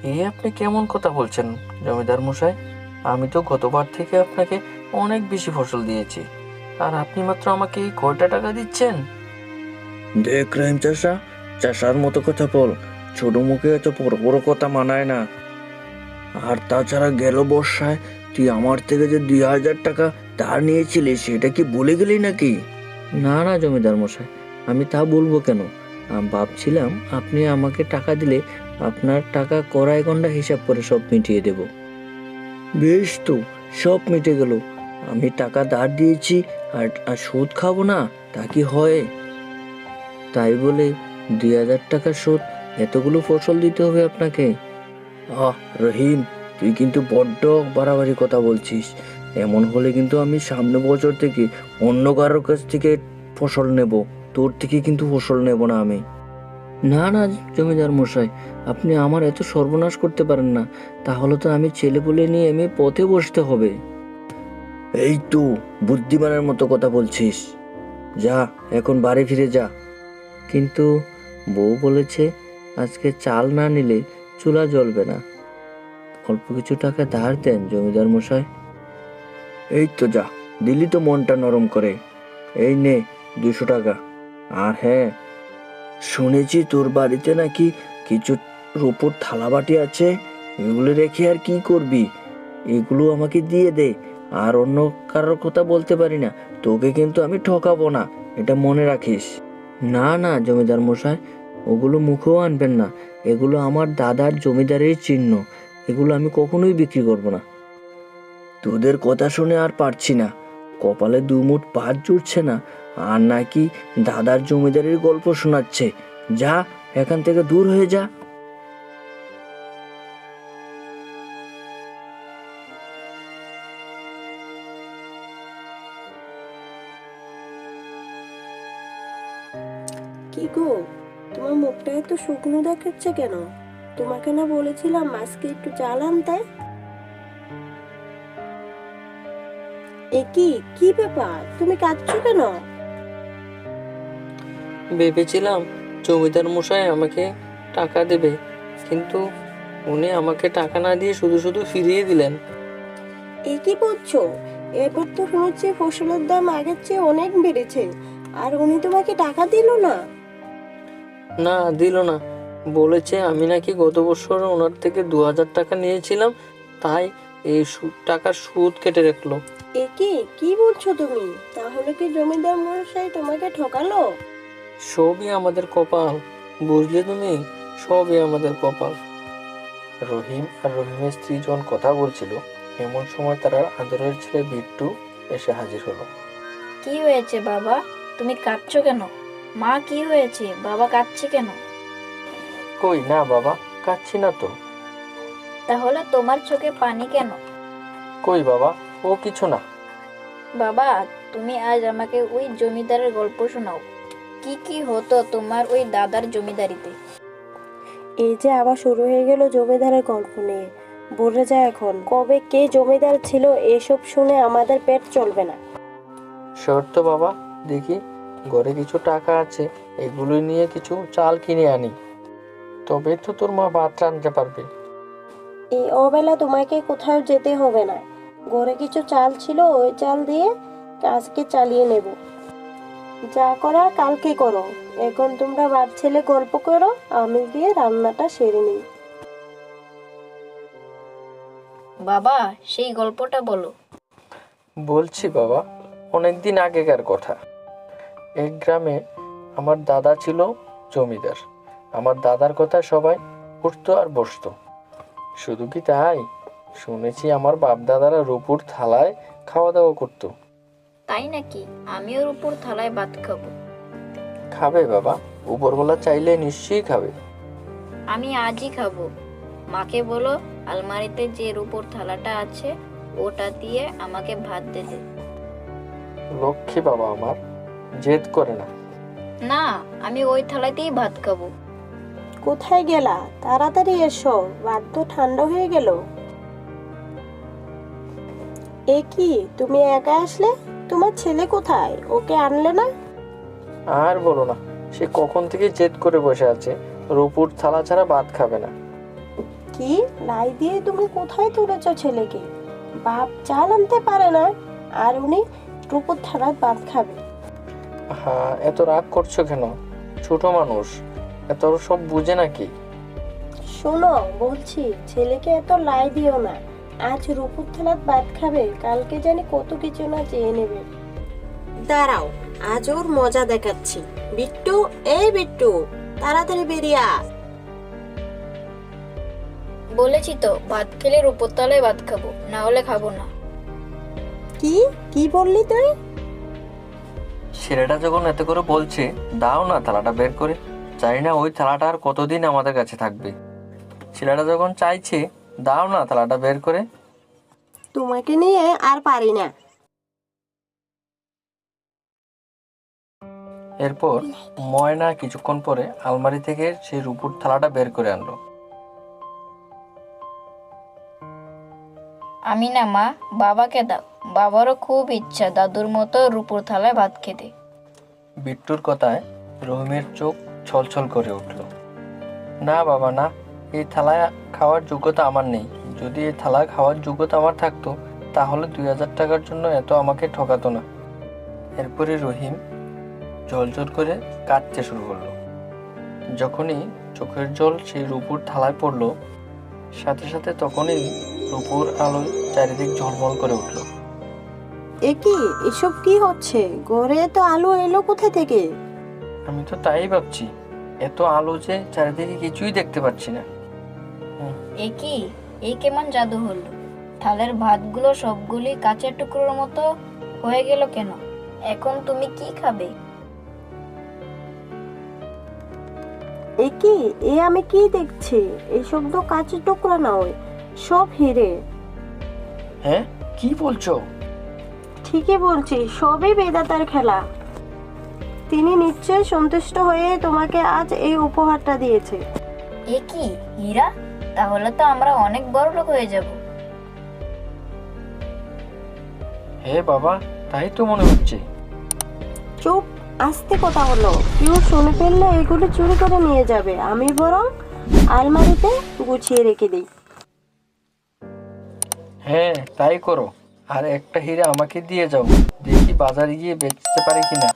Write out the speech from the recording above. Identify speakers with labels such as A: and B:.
A: আপনি কেমন কথা বলছেন জমিদার মশাই? আমি তো গতবার থেকে আপনাকে অনেক বেশি ফসল দিয়েছি, আর আপনি মাত্র আমাকে এই কয়টা টাকা দিচ্ছেন?
B: দেখ রহিম চাষা, চাষার মতো কথা বল। ছোট মুখে এত বড় বড় কথা মানায় না। আর তাছাড়া গেল বর্ষায় তুই আমার থেকে যে 2,000 টাকা ধার নিয়েছিলি সেটা কি ভুলে গেলি নাকি?
A: না না জমিদার মশাই, আমি তা বলবো কেন? ভাবছিলাম আপনি আমাকে টাকা দিলে আপনার টাকা কড়াই গন্ডা হিসাব করে সব মিটিয়ে দেব।
B: বেশ তো, সব মিটে গেল। আমি টাকা ধার দিয়েছি আর আর সুদ খাবো না, তা কি হয়?
A: তাই বলে 2,000 টাকা সুদ, এতগুলো ফসল দিতে হবে আপনাকে?
B: রহিম, তুই কিন্তু বড্ড বাড়াবাড়ি কথা বলছিস। এমন হলে কিন্তু আমি সামনে বছর থেকে অন্য কারোর কাছ থেকে ফসল নেব, তোর থেকে কিন্তু ফসল নেব না আমি।
A: না না জমিদার মশাই, আপনি আমার এত সর্বনাশ করতে পারেন না। তাহলে তো আমি ছেলে পুলে নিয়ে আমি পথে বসতে হবে।
B: এই তো বুদ্ধিমানের মতো কথা বলছিস। যা, এখন বাড়ি ফিরে যা।
A: কিন্তু বউ বলেছে আজকে চাল না নিলে চুলা জ্বলবে না। অল্প কিছু টাকা ধার দেন জমিদার মশাই।
B: এই তো যা, দিলি তো মনটা নরম করে। এই নে 200 টাকা। আর হ্যাঁ, শুনেছি তোর বাড়িতে নাকি কিছু রূপোর থালা বাটি আছে। এগুলো রেখে আর কি করবি? এগুলো আমাকে দিয়ে দে। আর অন্য কারোর কথা বলতে পারি না, তোকে কিন্তু আমি ঠকাবো না, এটা মনে রাখিস।
A: না না জমিদার মশাই, ওগুলো মুখেও আনবেন না। এগুলো আমার দাদার জমিদারের চিহ্ন। এগুলো আমি কখনোই বিক্রি করব না।
B: তোদের কথা শুনে আর পারছি না। কপালে দুমুঠ ভাত জুটছে না, আর নাকি দাদার জমিদারের গল্প শোনাচ্ছে। যা, এখান থেকে দূর হয়ে যা।
C: কি গো, তোমার মুখটা এত শুকনো দেখাচ্ছে কেন? তোমাকে না বলেছিলাম আজকে একটু চাল আনতে? এ কি, কি ব্যাপার, তুমি কাঁদছো কেন?
A: ভেবেছিলাম জমিদার মশাই আমাকে টাকা দেবে, কিন্তু উনি আমাকে টাকা না দিয়ে শুধু শুধু ফিরিয়ে দিলেন।
C: এ কি বলছো? এবার তো শুনছি ফসলের দাম আগের চেয়ে অনেক বেড়েছে, আর উনি তোমাকে টাকা দিল না?
A: না, দিল না। বলেছে আমি নাকি গত বছর ওনার থেকে 2,000 টাকা নিয়েছিলাম, তাই এই টাকার সুদ কেটে রাখলো।
C: এ কি, কি বলছো তুমি? তাহলে কি জমিদার মশাই তোমাকে ঠকালো?
A: সবই আমাদের কপাল, বুঝলে তুমি? সবই আমাদের কপাল। রহিম আর রহিমের স্ত্রী যখন কথা বলছিল, এমন সময় তার আদরের ছেলে বিট্টু এসে হাজির হলো।
D: কি হয়েছে বাবা, তুমি কাঁদছো কেন? মা, কি হয়েছে, বাবা কাঁদছে কেন?
A: কই না বাবা, কাচ্ছি না তো।
D: তাহলে তোমার চোখে পানি কেন?
A: কই বাবা, ও কিছু না।
D: বাবা, তুমি আজ আমাকে ওই জমিদারের গল্প শোনাও। কি কি হতো তোমার ওই দাদার জমিদারিতে?
C: এই যে আবার শুরু হয়ে গেল জমিদারের গল্প নিয়ে। বলে যায় এখন কবে কে জমিদার ছিল, এসব শুনে আমাদের পেট চলবে না।
A: শর্ত বাবা, দেখি ঘরে কিছু টাকা আছে, এগুলো নিয়ে কিছু চাল কিনে আনি, তবে তো তোর মা ভাত রাঁধতে পারবে।
C: এই অবেলা তোমাকে কোথাও যেতে হবে না। ঘরে কিছু চাল ছিল, ওই চাল দিয়ে আজকে চালিয়ে নেব। যা করার কালকে করো। এখন তোমরা বাপ ছেলে গল্প করো, আমি গিয়ে রান্নাটা সেরে নিই।
D: বাবা, সেই গল্পটা বলো।
A: বলছি বাবা, অনেকদিন আগেকার কথা। এক গ্রামে আমার দাদা ছিল জমিদার। আমার দাদার কথা সবাই উঠতো আর বসতো। শুধু কি তাই, শুনেছি আমার বাপ দাদারা রূপুর থালায় খাওয়া দাওয়া করতো।
D: তাই নাকি? আমিও উপর থালায় ভাত খাবো।
A: খাবে বাবা, উপরওয়ালা চাইলে নিশ্চয়ই খাবে।
D: আমি আজই খাবো। মাকে বলো আলমারিতে যে রূপোর থালাটা আছে ওটা দিয়ে আমাকে ভাত দিতে।
A: লক্ষ্মী বাবা আমার, জেদ করে না।
D: না, আমি ওই থালাতেই ভাত খাবো।
C: কোথায় গেলা? তাড়াতাড়ি এসো, ভাত তো ঠান্ডা হয়ে গেল। এ কি, তুমি একা আসলে? তোমার ছেলে কোথায়? ওকে আনলে না?
A: আর বলো না, সে কখন থেকে জেদ করে বসে আছে, রূপুর থালা ছাড়া ভাত খাবে না।
C: কি লাই দিয়ে তুমি কোথায় তুলেছ ছেলেকে? বাপ চাল আনতে পারে না আর উনি রূপোর থালার ভাত খাবে?
A: হ্যাঁ, এত রাগ করছো কেন? ছোট মানুষ, এত সব বুঝে নাকি?
C: শোনো বলছি, ছেলেকে এত লাই দিও না। আজ রূপোর থালার ভাত খাবে, কালকে জানি কত কিছু না চেয়ে নেবে। দাঁড়াও, আজ ওর মজা দেখাচ্ছি। বিট্টু, এই বিট্টু, তাড়াতাড়ি বেরিয়ে আয়।
D: বলেছি তো ভাত খেলে রূপোর তলায় ভাত খাবো, না হলে খাবো না।
C: কি কি বললি তুই?
A: ছেলেটা যখন এত করে বলছে, দাও না থালাটা বের করে। জানি না ওই থালাটা আর কতদিন আমাদের কাছে থাকবে। ছেলেটা যখন চাইছে, দাও না থালাটা বের করে।
C: তোমাকে নিয়ে আর পারি না।
A: এরপর ময়না কিছুক্ষণ পরে আলমারি থেকে সেই রূপোর থালাটা বের করে আনলো।
D: আমি না মা, বাবাকে দাও। বাবারও খুব ইচ্ছা দাদুর মতো রূপোর থালায় ভাত খেতে।
A: বিট্টুর কথায় রহিমের চোখ ছলছল করে উঠল। না বাবা না, এই থালায় খাওয়ার যোগ্যতা আমার নেই। যদি এই থালায় খাওয়ার যোগ্যতা আমার থাকতো, তাহলে 2000 টাকার জন্য এত আমাকে ঠকাতো না। এরপরে রহিম জল করে কাঁদতে শুরু করলো। যখনই চোখের জল সেই রূপোর থালায় পড়লো, সাথে সাথে তখনই রূপোর আলো চারিদিক ঝলমল করে উঠলো।
C: এ কি, এসব কি হচ্ছে? ঘরে তো আলো এলো কোথা থেকে?
A: আমি তো তাই ভাবছি, এত আলো যে চারিদিকে কিছুই দেখতে পাচ্ছি না।
D: এ কি, এই কেমন জাদু হলো? থালের ভাতগুলো সবগুলি কাঁচের টুকরোর মতো হয়ে গেল কেন? এখন তুমি কি খাবে?
C: এ কি, এ আমি কি দেখছি? এসব তো কাঁচের টুকরা নয়, সব হিরে।
A: হ্যাঁ, কি বলছো?
C: ঠিকই বলছি, সবই বেদাতার খেলা। তিনি নিশ্চয় সন্তুষ্ট হয়ে তোমাকে আজ এই উপহারটা দিয়েছে।
D: এ কি, হীরা? তাহলে তো আমরা অনেক বড় লোক হয়ে যাব।
A: হে বাবা, তাই তো মনে হচ্ছে।
C: চুপ, আস্তে কথা হলো। কেউ শুনে ফেললে এগুলো চুরি করে নিয়ে যাবে। আমি বরং আলমারিতে গুছিয়ে রেখে দিই।
A: হ্যাঁ, তাই করো। আর একটা হীরা আমাকে দিয়ে যাও, দেখি বাজারে গিয়ে বেচতে পারি কিনা।